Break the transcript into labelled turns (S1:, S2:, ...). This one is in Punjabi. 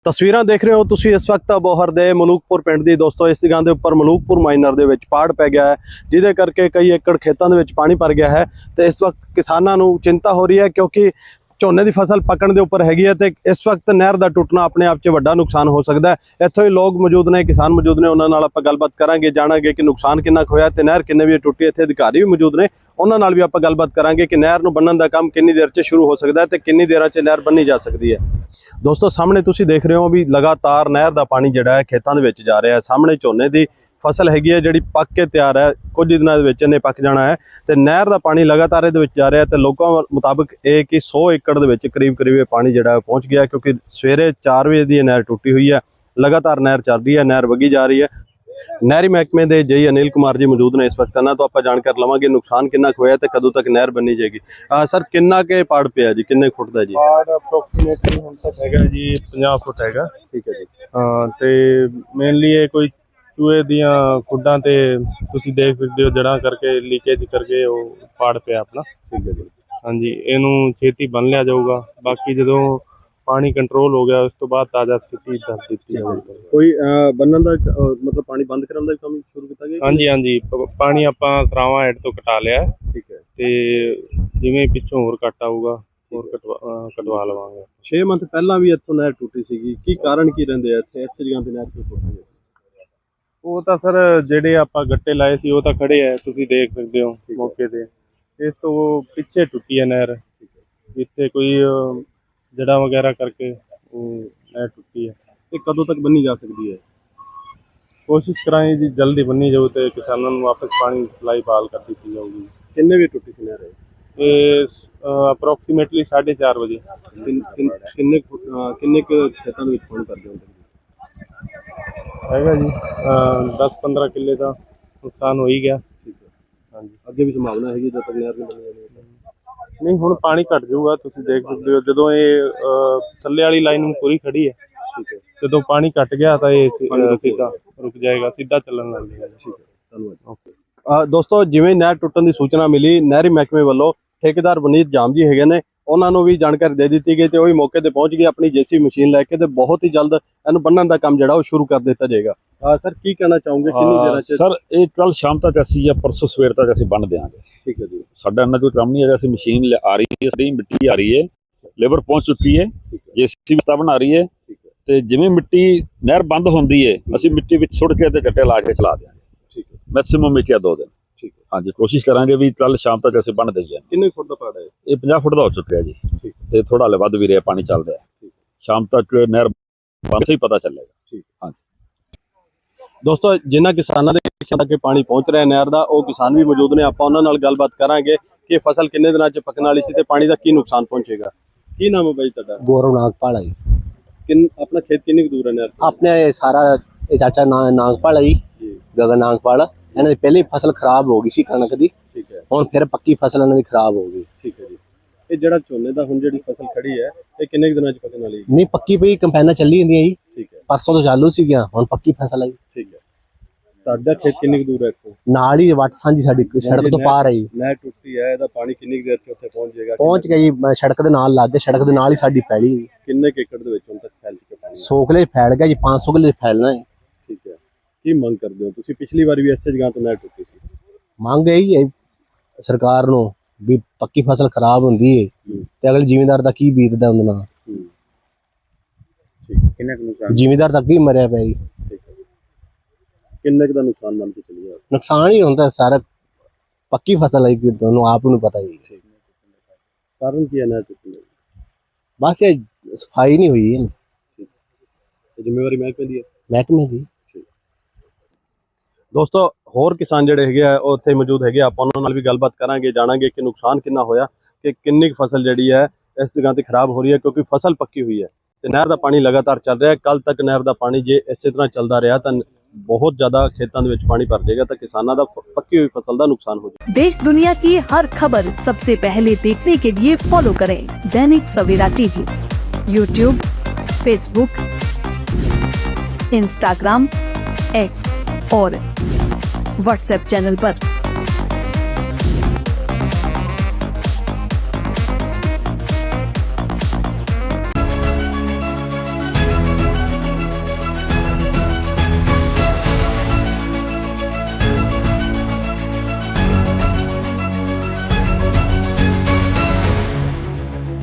S1: ਤਸਵੀਰਾਂ ਦੇਖ ਰਹੇ ਹੋ ਤੁਸੀਂ ਇਸ ਵਕਤ ਅਬੋਹਰ ਦੇ ਮਲੂਕਪੁਰ ਪਿੰਡ ਦੀ। ਦੋਸਤੋ ਇਸ ਜਗ੍ਹਾ ਦੇ ਉੱਪਰ ਮਲੂਕਪੁਰ ਮਾਈਨਰ ਦੇ ਵਿੱਚ ਪਾੜ ਪੈ ਗਿਆ ਹੈ, ਜਿਹਦੇ ਕਰਕੇ ਕਈ ਏਕੜ ਖੇਤਾਂ ਦੇ ਵਿੱਚ ਪਾਣੀ ਭਰ ਗਿਆ ਹੈ ਤੇ ਇਸ ਵਕਤ ਕਿਸਾਨਾਂ ਨੂੰ ਚਿੰਤਾ ਹੋ ਰਹੀ ਹੈ ਕਿਉਂਕਿ ਝੋਨੇ ਦੀ ਫਸਲ ਪੱਕਣ ਦੇ ਉੱਪਰ ਹੈਗੀ ਹੈ ਤੇ ਇਸ ਵਕਤ ਨਹਿਰ ਦਾ ਟੁੱਟਣਾ ਆਪਣੇ ਆਪ 'ਚ ਵੱਡਾ ਨੁਕਸਾਨ ਹੋ ਸਕਦਾ ਹੈ। ਇੱਥੋਂ ਹੀ ਲੋਕ ਮੌਜੂਦ ਨੇ, ਕਿਸਾਨ ਮੌਜੂਦ ਨੇ, ਉਹਨਾਂ ਨਾਲ ਆਪਾਂ ਗੱਲਬਾਤ ਕਰਾਂਗੇ, ਜਾਣਾਂਗੇ ਕਿ ਨੁਕਸਾਨ ਕਿੰਨਾ ਕੁ ਹੋਇਆ ਤੇ ਨਹਿਰ ਕਿੰਨੇ ਵਜੇ ਟੁੱਟੀ। ਇੱਥੇ ਅਧਿਕਾਰੀ ਵੀ ਮੌਜੂਦ ਨੇ, ਉਹਨਾਂ ਨਾਲ ਵੀ ਆਪਾਂ ਗੱਲਬਾਤ ਕਰਾਂਗੇ ਕਿ ਨਹਿਰ ਨੂੰ ਬੰਨਣ ਦਾ ਕੰਮ ਕਿੰਨੀ ਦੇਰ 'ਚ ਸ਼ੁਰੂ ਹੋ ਸਕਦਾ ਹੈ ਤੇ ਕਿੰਨੀ ਦੇਰਾਂ 'ਚ ਨਹਿਰ ਬੰਨੀ ਜਾ ਸਕਦੀ ਹੈ। ਦੋਸਤੋ ਸਾਹਮਣੇ ਤੁਸੀਂ ਦੇਖ ਰਹੇ ਹੋ ਵੀ ਲਗਾਤਾਰ ਨਹਿਰ ਦਾ ਪਾਣੀ ਜਿਹੜਾ ਹੈ ਖੇਤਾਂ ਦੇ ਵਿੱਚ ਜਾ ਰਿਹਾ ਹੈ। ਸਾਹਮਣੇ ਝੋਨੇ ਦੀ ਫਸਲ ਹੈਗੀ ਹੈ ਜਿਹੜੀ ਪੱਕ ਕੇ ਤਿਆਰ ਹੈ, ਕੁਝ ਦਿਨਾਂ ਦੇ ਵਿੱਚ ਇਹਨੇ ਪੱਕ ਜਾਣਾ ਹੈ ਤੇ ਨਹਿਰ ਦਾ ਪਾਣੀ ਲਗਾਤਾਰ ਇਹਦੇ ਵਿੱਚ ਜਾ ਰਿਹਾ ਤੇ ਲੋਕਾਂ ਮੁਤਾਬਕ ਇਹ ਕਿ 100 ਏਕੜ ਦੇ ਵਿੱਚ ਕਰੀਬ ਇਹ ਪਾਣੀ ਜਿਹੜਾ ਪਹੁੰਚ ਗਿਆ ਕਿਉਂਕਿ ਸਵੇਰੇ 4 ਵਜੇ ਦੀ ਇਹ ਨਹਿਰ ਟੁੱਟੀ ਹੋਈ ਹੈ। ਲਗਾਤਾਰ ਨਹਿਰ ਚੱਲ ਰਹੀ ਹੈ, ਨਹਿਰ ਵਗੀ ਜਾ ਰਹੀ ਹੈ। ਨਹਿਰੀ ਮਹਿਕਮੇ ਦੇ ਜਈ ਅਨਿਲ ਕੁਮਾਰ ਜੀ ਮੌਜੂਦ ਨੇ ਇਸ ਵਕਤ, ਇਹਨਾਂ ਤੋਂ ਆਪਾਂ ਜਾਣਕਾਰੀ ਲਵਾਂਗੇ ਨੁਕਸਾਨ ਕਿੰਨਾ ਕੁ ਹੋਇਆ ਤੇ ਕਦੋਂ ਤੱਕ ਨਹਿਰ ਬੰਨੀ ਜਾਏਗੀ। ਸਰ ਕਿੰਨਾ ਕੇ ਪਾੜ ਪਿਆ ਜੀ, ਕਿੰਨੇ ਫੁੱਟ ਦਾ ਜੀ?
S2: ਪਾੜ ਅਪਰੋਕਸੀਮੇਟਲੀ ਹੁਣ ਤੱਕ ਹੈਗਾ ਜੀ 50 ਫੁੱਟ ਹੈਗਾ।
S1: ਠੀਕ ਹੈ ਜੀ।
S2: ਤੇ ਮੇਨਲੀ ਇਹ ਕੋਈ ਚੂਹੇ ਦੀਆਂ ਖੁੱਡਾਂ ਤੇ ਤੁਸੀਂ ਦੇਖ ਸਕਦੇ ਹੋ ਜੜ੍ਹਾਂ ਕਰਕੇ ਲੀਕੇਜ ਕਰਕੇ ਉਹ ਪਾੜ ਪਿਆ ਆਪਣਾ।
S1: ਠੀਕ ਹੈ ਜੀ।
S2: ਹਾਂਜੀ, ਇਹਨੂੰ ਛੇਤੀ ਬੰਨ ਲਿਆ ਜਾਊਗਾ। ਬਾਕੀ ਜਦੋਂ ਪਾਣੀ ਕੰਟਰੋਲ ਹੋ ਗਿਆ ਉਸ ਤੋਂ ਬਾਅਦ ਤਾਜ਼ਾ ਸਿੱਟੀ ਦੱਸ ਦਿੱਤੀ ਜਾਊਗੀ।
S1: ਕੋਈ ਬੰਨਣ ਦਾ ਮਤਲਬ ਪਾਣੀ ਬੰਦ ਕਰਨ ਦਾ ਕੰਮ ਸ਼ੁਰੂ ਕੀਤਾ ਗਿਆ?
S2: ਹਾਂਜੀ ਹਾਂਜੀ, ਪਾਣੀ ਆਪਾਂ ਸਰਾਵਾਂ ਹੈਡ ਤੋਂ ਕਟਾ ਲਿਆ।
S1: ਠੀਕ ਹੈ।
S2: ਤੇ ਜਿਵੇਂ ਪਿੱਛੋਂ ਹੋਰ ਕੱਟ ਆਊਗਾ ਹੋਰ ਕਟਵਾ ਲਵਾਂਗੇ।
S1: 6 ਮੰਥ ਪਹਿਲਾਂ ਵੀ ਇੱਥੋਂ ਨਹਿਰ ਟੁੱਟੀ ਸੀਗੀ, ਕੀ ਕਾਰਨ ਕੀ ਰਹਿੰਦੇ ਆ ਇੱਥੇ ਇਸ ਜਗ੍ਹਾ ਤੇ ਨਹਿਰ ਕਿਉਂ ਟੁੱਟੀ ਹੈ?
S2: ਉਹ ਤਾਂ ਸਰ ਜਿਹੜੇ ਆਪਾਂ ਗੱਟੇ ਲਾਏ ਸੀ ਉਹ ਤਾਂ ਖੜੇ ਆ, ਤੁਸੀਂ ਦੇਖ ਸਕਦੇ ਹੋ ਮੌਕੇ ਤੇ। ਇਸ ਤੋਂ ਪਿੱਛੇ ਟੁੱਟੀ ਹੈ ਨਹਿਰ, ਜਿੱਥੇ ਕੋਈ ਜੜ੍ਹਾਂ ਵਗੈਰਾ ਕਰਕੇ ਉਹ ਨਹਿਰ ਟੁੱਟੀ ਹੈ।
S1: ਇਹ ਕਦੋਂ ਤੱਕ ਬੰਨੀ ਜਾ ਸਕਦੀ ਹੈ?
S2: ਕੋਸ਼ਿਸ਼ ਕਰਾਂਗੇ ਜੀ ਜਲਦੀ ਬੰਨੀ ਜਾਊ ਤੇ ਕਿਸਾਨਾਂ ਨੂੰ ਵਾਪਸ ਪਾਣੀ ਸਪਲਾਈ ਬਹਾਲ ਕਰ ਦਿੱਤੀ ਜਾਊਗੀ।
S1: ਕਿੰਨੇ ਵਜੇ ਟੁੱਟੀ ਸੀ ਨਹਿਰ?
S2: ਇਹ ਅਪਰੋਕਸੀਮੇਟਲੀ 4:30 ਵਜੇ।
S1: ਕਿੰਨੇ ਕੁ ਖੇਤਾਂ ਦੇ ਵਿੱਚ ਪਾਣੀ ਭਰ ਗਿਆ
S2: ਹੈਗਾ ਜੀ 10-15 ਕਿੱਲੇ ਦਾ ਨੁਕਸਾਨ ਹੋ ਹੀ ਗਿਆ।
S1: ਠੀਕ ਹੈ।
S2: ਹਾਂਜੀ,
S1: ਅੱਗੇ ਵੀ ਸੰਭਾਵਨਾ ਹੈਗੀ ਜਦ ਤੱਕ ਨਹਿਰ ਨਹੀਂ ਬਣੀ ਜਾਣੀ?
S2: ਨਹੀਂ, ਹੁਣ ਪਾਣੀ ਘਟ ਜਾਊਗਾ, ਤੁਸੀਂ ਦੇਖ ਸਕਦੇ ਹੋ। ਜਦੋਂ ਇਹ ਥੱਲੇ ਵਾਲੀ ਲਾਈਨ ਨੂੰ ਪੂਰੀ ਖੜੀ ਹੈ,
S1: ਠੀਕ ਹੈ,
S2: ਜਦੋਂ ਪਾਣੀ ਘਟ ਗਿਆ ਤਾਂ ਇਹ ਸਿੱਧਾ ਰੁਕ ਜਾਏਗਾ, ਸਿੱਧਾ ਚੱਲਣ ਲੱਗ ਜਾਏਗਾ।
S1: ਠੀਕ ਹੈ, ਧੰਨਵਾਦ। ਓਕੇ ਦੋਸਤੋ, ਜਿਵੇਂ ਨਹਿਰ ਟੁੱਟਣ ਦੀ ਸੂਚਨਾ ਮਿਲੀ, ਨਹਿਰੀ ਮਹਿਕਮੇ ਵੱਲੋਂ ਠੇਕੇਦਾਰ ਵਨੀਤ ਜਾਮ ਜੀ ਹੈਗੇ ਨੇ, ਉਹਨਾਂ ਨੂੰ ਵੀ ਜਾਣਕਾਰੀ ਦੇ ਦਿੱਤੀ ਗਈ ਤੇ ਉਹ ਵੀ ਮੌਕੇ ਤੇ ਪਹੁੰਚ ਗਏ ਆਪਣੀ ਜੇਸੀ ਮਸ਼ੀਨ ਲੈ ਕੇ ਤੇ ਬਹੁਤ ਹੀ ਜਲਦ ਇਹਨੂੰ ਬੰਨਣ ਦਾ ਕੰਮ ਜਿਹੜਾ ਉਹ ਸ਼ੁਰੂ ਕਰ ਦਿੱਤਾ ਜਾਏਗਾ। ਸਰ ਕੀ ਕਹਿਣਾ ਚਾਹੋਗੇ, ਕਿੰਨੀ ਦੇਰ ਚ?
S3: ਸਰ ਇਹ ਕੱਲ ਸ਼ਾਮ ਤੱਕ ਅਸੀਂ ਜਾਂ ਪਰਸੋਂ ਸਵੇਰ ਤੱਕ ਅਸੀਂ ਬੰਨ ਦੇਵਾਂਗੇ।
S1: ਠੀਕ ਹੈ ਜੀ।
S3: ਸਾਡਾ ਇੰਨਾ ਕੋਈ ਕੰਮ ਨਹੀਂ ਹੈਗਾ, ਅਸੀਂ ਮਸ਼ੀਨ ਆ ਰਹੀ ਹੈ, ਸਾਡੀ ਮਿੱਟੀ ਆ ਰਹੀ ਹੈ, ਲੇਬਰ ਪਹੁੰਚ ਚੁੱਕੀ ਹੈ, ਜੇਸੀਬੀ ਸਤਾ ਬਣਾ ਰਹੀ ਹੈ ਤੇ ਜਿਵੇਂ ਮਿੱਟੀ ਨਹਿਰ ਬੰਦ ਹੁੰਦੀ ਹੈ ਅਸੀਂ ਮਿੱਟੀ ਵਿੱਚ ਸੁੱਟ ਕੇ ਤੇ ਗੱਟੇ ਲਾ ਕੇ ਚਲਾ ਦੇਵਾਂਗੇ।
S1: ਠੀਕ ਹੈ।
S3: ਮੈਕਸਿਮਮ ਮਿੱਟੀ 2 ਦਿਨ।
S1: ਠੀਕ ਹੈ।
S3: ਹਾਂਜੀ, ਕੋਸ਼ਿਸ਼ ਕਰਾਂਗੇ ਵੀ ਕੱਲ ਸ਼ਾਮ ਤੱਕ ਅਸੀਂ ਬੰਨ ਦੇਈਏ।
S1: ਕਿੰਨੇ ਫੁੱਟ ਦਾ ਪਾੜ ਹੈ
S3: ਇਹ 50 ਫੁੱਟ ਦਾ ਹੋ ਚੁੱਕਿਆ ਜੀ।
S1: ਠੀਕ
S3: ਤੇ ਥੋੜਾ ਹਲੇ ਵੱਧ ਵੀ ਰਿਹਾ, ਪਾਣੀ ਚੱਲ ਰਿਹਾ। ਸ਼ਾਮ ਤੱਕ ਨਹਿਰ ਬੰਦ ਸਹੀ ਪਤਾ ਚੱਲੇਗਾ।
S1: ਠੀਕ।
S3: ਹਾਂਜੀ
S1: ਦੋਸਤੋ, ਜਿਨ੍ਹਾਂ ਕਿਸਾਨਾਂ ਦੇ ਖੇਤਾਂ ਤੱਕ ਪਾਣੀ ਪਹੁੰਚ ਰਿਹਾ ਨਹਿਰ ਦਾ, ਉਹ ਕਿਸਾਨ ਵੀ ਮੌਜੂਦ ਨੇ, ਆਪਾਂ ਉਹਨਾਂ ਨਾਲ ਗੱਲਬਾਤ ਕਰਾਂਗੇ ਕਿ ਫਸਲ ਕਿੰਨੇ ਦਿਨਾਂ 'ਚ ਪੱਕਣ ਵਾਲੀ ਸੀ ਤੇ ਪਾਣੀ ਦਾ ਕੀ ਨੁਕਸਾਨ ਪਹੁੰਚੇਗਾ। ਕੀ ਨਾਮ ਹੈ ਬਾਈ ਤੁਹਾਡਾ?
S4: ਗੌਰਵ ਨਾਗਪਾਲ ਜੀ।
S1: ਆਪਣਾ ਖੇਤ ਕਿੰਨੀ ਕੁ ਦੂਰ ਹੈ ਨਹਿਰ ਤੋਂ?
S4: ਆਪਣੇ ਸਾਰਾ ਇਹ ਚਾਚਾ ਨਾਗਪਾਲ ਹੈ ਜੀ, ਗਗਨ ਨਾਗਪਾਲ। ਇਹਨਾਂ ਦੀ ਪਹਿਲੀ ਫਸਲ ਖਰਾਬ ਹੋ ਗਈ ਸੀ ਕਣਕ ਦੀ।
S1: ਠੀਕ ਹੈ।
S4: ਹੁਣ ਫਿਰ ਪੱਕੀ ਫਸਲ ਇਹਨਾਂ ਦੀ ਖਰਾਬ ਹੋ ਗਈ।
S1: ਠੀਕ ਹੈ ਜੀ। ਇਹ ਜਿਹੜਾ ਝੋਨੇ ਦਾ ਹੁਣ ਜਿਹੜੀ ਫਸਲ ਖੜੀ ਹੈ ਇਹ ਕਿੰਨੇ ਕੁ ਦਿਨਾਂ 'ਚ ਪੱਕਣ ਵਾਲੀ ਹੈ?
S4: ਨਹੀਂ, ਪੱਕੀ ਪਈ ਕੰਪੈਨਾਂ ਚੱਲੀ ਜਾਂਦੀਆਂ ਜੀ।
S1: ਠੀਕ ਹੈ।
S4: ਪਰਸੋਂ ਤੋਂ ਚਾਲੂ ਸੀਗੀਆਂ, ਹੁਣ ਪੱਕੀ ਫਸਲ ਹੈ ਜੀ।
S1: ਠੀਕ ਹੈ। ਤੁਹਾਡਾ ਖੇਤ ਕਿੰਨੀ ਕੁ ਦੂਰ ਹੈ ਇੱਥੋਂ?
S4: ਨਾਲ ਹੀ ਵੱਟ ਸਾਂਝੀ ਸਾਡੀ ਸੜਕ ਤੋਂ ਪਾਰ ਹੈ ਜੀ।
S1: ਨਹਿਰ ਟੁੱਟੀ ਹੈ, ਇਹਦਾ ਪਾਣੀ ਕਿੰਨੀ ਕੁ ਦੇਰ 'ਚ ਉੱਥੇ ਪਹੁੰਚ ਜਾਏਗਾ?
S4: ਪਹੁੰਚ ਗਿਆ ਜੀ, ਸੜਕ ਦੇ ਨਾਲ ਲੱਗ ਕੇ, ਸੜਕ ਦੇ ਨਾਲ ਹੀ ਸਾਡੀ ਪੈਲੀ।
S1: ਕਿੰਨੇ ਕੁ ਏਕੜ ਦੇ ਵਿੱਚ ਹੁਣ ਤੱਕ ਫੈਲ ਚੁੱਕਾ ਪਾਣੀ?
S4: 100 ਕਿੱਲੇ ਫੈਲ ਗਿਆ ਜੀ, 500 ਕਿੱਲੇ ਫੈਲਣਾ ਹੈ।
S1: ਠੀਕ ਹੈ। ਕੀ ਮੰਗ ਕਰਦੇ ਹੋ ਤੁਸੀਂ? ਪਿਛਲੀ ਵਾਰ ਵੀ ਇਸੇ ਜਗ੍ਹਾ ਤੋਂ ਨਹਿਰ ਟੁੱਟੀ ਸੀ।
S4: ਮੰਗ ਇਹੀ ਹੈ ਸਰਕਾਰ ਨੂੰ ਵੀ ਪੱਕੀ ਫਸਲ ਖਰਾਬ ਹੁੰਦੀ ਹੈ ਤੇ ਅਗਲੇ ਜ਼ਿਮੀਂਦਾਰ ਦਾ ਕੀ ਬੀਤਦਾ ਉਹਦੇ ਨਾਲ।
S1: ਕਿੰਨੇ ਕੁ ਨੁਕਸਾਨ?
S4: ਜ਼ਿਮੀਂਦਾਰ ਤਾਂ ਅੱਗੇ ਹੀ ਮਰਿਆ ਪਿਆ ਜੀ।
S1: ਕਿੰਨੇ ਕੁ ਦਾ ਨੁਕਸਾਨ ਮੰਨ ਕੇ ਚੱਲੀਏ?
S4: ਨੁਕਸਾਨ ਹੀ ਹੁੰਦਾ ਸਾਰਾ, ਪੱਕੀ ਫਸਲ ਹੈ ਕਿ ਤੁਹਾਨੂੰ ਆਪ ਨੂੰ ਪਤਾ ਹੀ ਹੈ।
S1: ਕਾਰਨ ਕੀ ਹੈ ਨਹਿਰ ਟੁੱਟਣ ਦਾ?
S4: ਬਸ ਇਹ ਸਫਾਈ ਨਹੀਂ ਹੋਈ ਹੈ।
S1: ਜ਼ਿੰਮੇਵਾਰੀ ਮਹਿਕਮੇ ਦੀ ਹੈ?
S4: ਮਹਿਕਮੇ ਦੀ।
S1: ਦੋਸਤੋ, ਹੋਰ ਕਿਸਾਨ ਜਿਹੜੇ ਹੈਗੇ ਆ ਉਹ ਉੱਥੇ ਮੌਜੂਦ ਹੈਗੇ, ਆਪਾਂ ਉਹਨਾਂ ਨਾਲ ਵੀ ਗੱਲਬਾਤ ਕਰਾਂਗੇ, ਜਾਣਾਂਗੇ ਕਿ ਨੁਕਸਾਨ ਕਿੰਨਾ ਹੋਇਆ, ਕਿ ਕਿੰਨੀ ਕੁ ਫਸਲ ਜਿਹੜੀ ਹੈ ਇਸ ਜਗ੍ਹਾ ਤੇ ਖਰਾਬ ਹੋ ਰਹੀ ਹੈ ਕਿਉਂਕਿ ਫਸਲ ਪੱਕੀ ਹੋਈ ਹੈ ਤੇ ਨਹਿਰ ਦਾ ਪਾਣੀ ਲਗਾਤਾਰ ਚੱਲ ਰਿਹਾ ਹੈ। ਕੱਲ ਤੱਕ ਨਹਿਰ ਦਾ ਪਾਣੀ ਜੇ ਇਸੇ ਤਰ੍ਹਾਂ ਚੱਲਦਾ ਰਿਹਾ ਤਾਂ बहुत ज्यादा खेतों में पानी भर जाएगा तो किसानों का पक्की हुई फसल का नुकसान हो जाएगा।
S5: देश दुनिया की हर खबर सबसे पहले देखने के लिए फॉलो करें Dainik Savera TV, YouTube, Facebook, Instagram, X और व्हाट्सएप चैनल पर।